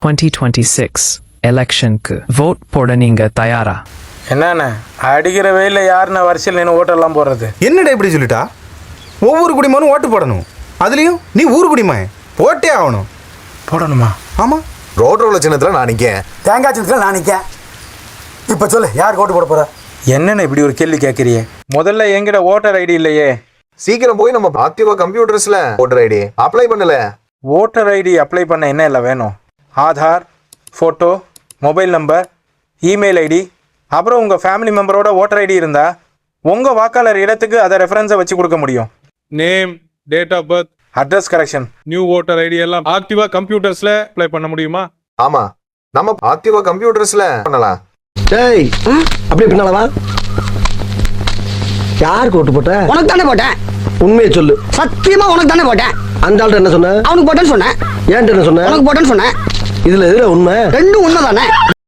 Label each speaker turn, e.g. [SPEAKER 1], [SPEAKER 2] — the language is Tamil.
[SPEAKER 1] 2026 எலெக்ஷனுக்கு வோட் போட நீங்க தயாரா?
[SPEAKER 2] என்னண்ணே அடிக்கிற வெயில யாருண்ணே வரிசையில் நின்று ஓட்டெல்லாம் போடுறது?
[SPEAKER 3] என்னடா இப்படி சொல்லிட்டா? ஒவ்வொரு குடிமகனும் ஓட்டு போடணும். அதுலேயும் நீ ஊர் குடிமகன், போட்டே ஆகணும்.
[SPEAKER 2] போடணுமா?
[SPEAKER 3] ஆமாம்.
[SPEAKER 4] ரோட்ரோல சின்னத்தில் நான் நிற்கேன்,
[SPEAKER 5] தேங்காய் சின்னத்தில் நான் நிற்கேன். இப்போ சொல்லு, யாருக்கு ஓட்டு போட போகிற?
[SPEAKER 2] என்னண்ணே இப்படி ஒரு கேள்வி கேட்குறியே? முதல்ல என்கிட்ட ஓட்டர் ஐடி இல்லையே.
[SPEAKER 4] சீக்கிரம் போய் நம்ம ஆக்டிவா கம்ப்யூட்டர்ஸ்ல ஓட்டர் ஐடி அப்ளை பண்ணல.
[SPEAKER 2] ஓட்டர் ஐடி அப்ளை பண்ண என்ன இல்லை வேணும்? Aadhaar, photo, mobile number, email ID, அப்புறம் உங்கள் ஃபேமிலி மெம்பரோட ஓட்டர் ஐடி இருந்தால் உங்கள் வாக்காளர் இடத்துக்கு அதை ரெஃபரன்ஸை வச்சு கொடுக்க முடியும்.
[SPEAKER 6] Name, date of birth,
[SPEAKER 2] address correction,
[SPEAKER 6] new voter ID எல்லாம் ஆக்டிவா கம்ப்யூட்டர்ஸ்ல அப்ளை பண்ண முடியுமா?
[SPEAKER 4] ஆமா, நம்ம ஆக்டிவா கம்ப்யூட்டர்ஸ்ல பண்ணலாம்.
[SPEAKER 5] டேய், அப்படியே பின்னாலவா? யாருக்கு ஓட்டு போட்ட?
[SPEAKER 7] உனக்கு தானே போட்டேன்.
[SPEAKER 5] உண்மையை சொல்லு.
[SPEAKER 7] சத்தியமா உனக்கு தானே போட்டேன்.
[SPEAKER 5] அந்த ஆள்கிட்ட என்ன சொன்ன?
[SPEAKER 7] அவனுக்கு போட்டேன்னு சொன்னேன்.
[SPEAKER 5] ஏன்ட்டு என்ன சொன்ன?
[SPEAKER 7] உனக்கு போட்டேன்னு சொன்னேன்.
[SPEAKER 5] இதுல எதுல உண்மை?
[SPEAKER 7] ரெண்டும் உண்மை தானே.